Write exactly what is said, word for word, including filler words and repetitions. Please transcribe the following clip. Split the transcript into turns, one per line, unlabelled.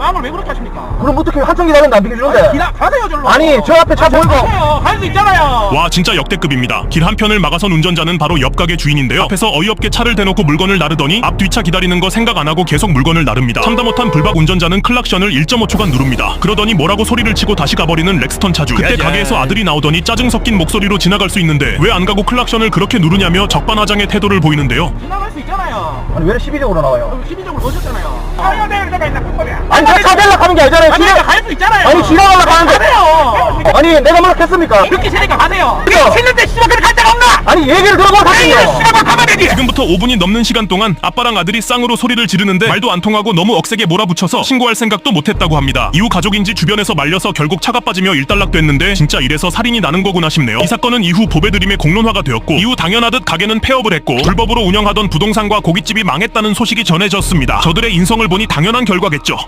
마음을 왜 그렇게 하십니까?
그럼 어떻게 한참 기다렸는데 안 비켜주는데?
기다 가세요 절로.
아니 저 앞에 차 보이고.
갈 수 있잖아요.
와 진짜 역대급입니다. 길 한편을 막아선 운전자는 바로 옆 가게 주인인데요. 앞에서 어이없게 차를 대놓고 물건을 나르더니 앞 뒤차 기다리는 거 생각 안 하고 계속 물건을 나릅니다. 참다 못한 불박 운전자는 클락션을 일 점 오 초간 누릅니다. 그러더니 뭐라고 소리를 치고 다시 가버리는 렉스턴 차주. 그때 가게에서 아들이 나오더니 짜증 섞인 목소리로 지나갈 수 있는데 왜 안 가고 클락션을 그렇게 누르냐며 적반하장의 태도를 보이는데요.
지나갈 수 있잖아요.
아니 왜 시비적으로 나와요?
시비적으로 오셨잖아요. 가야 될 때가 있나 불법이야.
아니 저 차 대려고 하는 게 아니잖아요.
아니
지나-
갈 수 있잖아요.
아니 지나가려고 하는데.
가세요.
아니 내가 뭐라했습니까?
그렇게 세니까 가세요.
그래요.
싫는데 씨발 그렇게 갈 데가 없나?
아니 얘기를 들어보고
아니
하세요.
씨발 가면 되지.
지금부터 오 분이 넘는 시간 동안 아빠랑 아들이 쌍으로 소리를 지르는데 말도 안 통하고 너무 억세게 몰아붙여서 신고할 생각도 못했다고 합니다. 이후 가족인지 주변에서 말려서 결국 차가 빠지며 일단락됐는데 진짜 이래서 살인이 나는 거구나 싶네요. 이 사건은 이후 보배드림의 공론화가 되었고 이후 당연하듯 가게는 폐업을 했고 불법으로 운영하던 부동산과 고깃집이 망했다는 소식이 전해졌습니다. 저들의 인성을 보니 당연한 결과겠죠.